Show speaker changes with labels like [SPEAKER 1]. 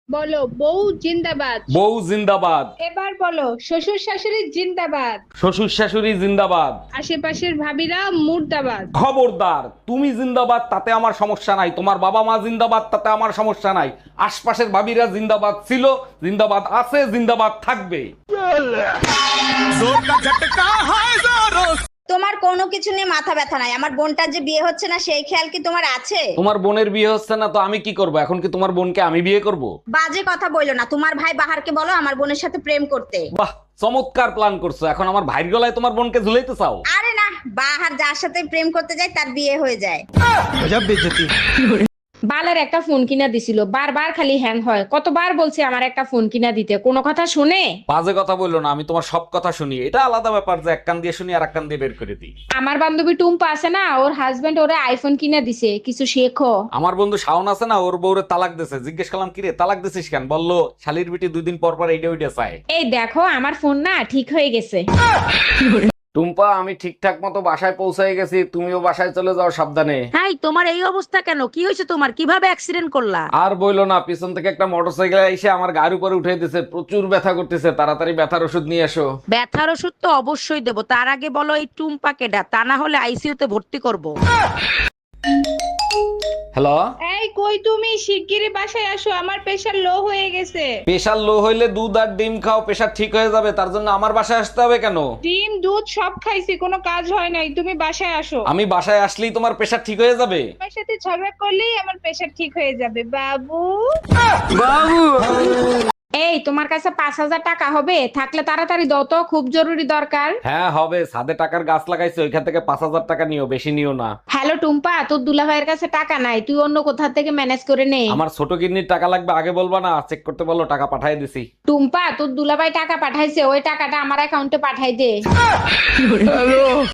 [SPEAKER 1] বলো বউ জিন্দাবাদ।
[SPEAKER 2] বউ জিন্দাবাদ।
[SPEAKER 1] এবার বলো শ্বশুর শাশুড়ি জিন্দাবাদ।
[SPEAKER 2] শ্বশুর শাশুড়ি জিন্দাবাদ।
[SPEAKER 1] আশেপাশের ভাবিরা মুর্দাবাদ।
[SPEAKER 2] খবরদার, তুমি জিন্দাবাদ তাতে আমার সমস্যা নাই, তোমার বাবা মা জিন্দাবাদ তাতে আমার সমস্যা নাই, আশপাশের ভাবিরা জিন্দাবাদ ছিল, জিন্দাবাদ আছে, জিন্দাবাদ থাকবে।
[SPEAKER 3] তোমার কোনো কিছু নিয়ে মাথা ব্যথা নাই, আমার বোনটার যে বিয়ে হচ্ছে না সেই খেয়াল কি তোমার আছে?
[SPEAKER 2] তোমার বোনের বিয়ে হচ্ছে না তো আমি কি করব? এখন কি তোমার বোনকে আমি বিয়ে করব?
[SPEAKER 3] বাজে কথা বইলো না, তোমার ভাই বাহারকে বলো আমার বোনের সাথে প্রেম করতে।
[SPEAKER 2] বাহ, চমৎকার প্ল্যান করছো। এখন আমার ভাইয়ের গলায় তোমার বোনকে ঝুলাইতে চাও?
[SPEAKER 3] আরে না, বাহার যার সাথে প্রেম করতে যায় তার বিয়ে হয়ে যায়।
[SPEAKER 1] বালের একটা ফোন কিনা দিছিল, বারবার খালি হ্যাং হয়। কতবার বলছি আমার একটা ফোন কিনা দিতে, কোনো কথা শুনে?
[SPEAKER 2] বাজে কথা বললো না, আমি তোমার সব কথা শুনি। এটা আলাদা ব্যাপার যে এক কান দিয়ে শুনি আর এক কান দিয়ে বের করে দিই।
[SPEAKER 1] আমার বান্ধবী টুম্পা আছে না, ওর হাজবেন্ড ওরে আইফোন কিনা দিছে, কিছু শেখো।
[SPEAKER 2] আমার বন্ধু শাওন আছে না, ওর বউরে তালাক দিছে। জিজ্ঞেস করলাম কিরে তালাক দিছিস কেন? বললো শালির বিটি 2 দিন পর পর এইটা ওইটা চায়।
[SPEAKER 1] এই দেখো আমার ফোন না ঠিক হয়ে গেছে।
[SPEAKER 2] টুম্পা, আমি ঠিকঠাক মতো বাসায় পৌঁছে গেছি, তুমিও বাসায় চলে যাও সাবধানে।
[SPEAKER 4] হাই, তোমার এই অবস্থা কেন? কি হয়েছে তোমার? কিভাবে অ্যাক্সিডেন্ট করলা?
[SPEAKER 2] আর বইলো না, পিছন থেকে একটা মোটরসাইকেল এসে আমার গাড়ির উপরে উঠে দিছে, প্রচুর ব্যথা করতেছে, তাড়াতাড়ি ব্যথার ওষুধ নিয়ে এসো।
[SPEAKER 4] ব্যথার ওষুধ তো অবশ্যই দেবো, তার আগে বলো এই টুম্পা কেডা, তা না হলে আইসিইউতে ভর্তি করব।
[SPEAKER 2] হ্যালো।
[SPEAKER 1] এই কই তুমি, শিগগিরই বাসায় আসো, আমার প্রেশার লো হয়ে গেছে।
[SPEAKER 2] প্রেশার লো হইলে দুধ আর ডিম খাও, প্রেশার ঠিক হয়ে যাবে। তার জন্য আমার বাসায় আসতে হবে কেন?
[SPEAKER 1] ডিম দুধ সব খাইছি, কোনো কাজ হয় নাই, তুমি বাসায় আসো।
[SPEAKER 2] আমি বাসায় আসলেই তোমার প্রেশার ঠিক হয়ে যাবে?
[SPEAKER 1] আমার সাথে ঝগড়া করলেই আমার প্রেশার ঠিক হয়ে যাবে বাবু। এই তোমার কাছে 5,000 টাকা হবে? থাকলে তাড়াতাড়ি দাও তো, খুব জরুরি দরকার।
[SPEAKER 2] হ্যাঁ হবে, ছাদে টাকার গাছ লাগাইছে, ওইখান থেকে 5,000 টাকা নিও, বেশি নিও না।
[SPEAKER 1] হ্যালো টুম্পা, তোর দুলাভাইয়ের কাছে টাকা নাই, তুই অন্য কোথা থেকে ম্যানেজ করে নে।
[SPEAKER 2] আমার ছোট কিডনির টাকা লাগবে, আগে বলবা না? চেক করতে বলো, টাকা পাঠিয়ে দিছি।
[SPEAKER 1] টুম্পা, তোর দুলাভাই টাকা পাঠাইছে, ওই টাকাটা আমার অ্যাকাউন্টে পাঠাই দে।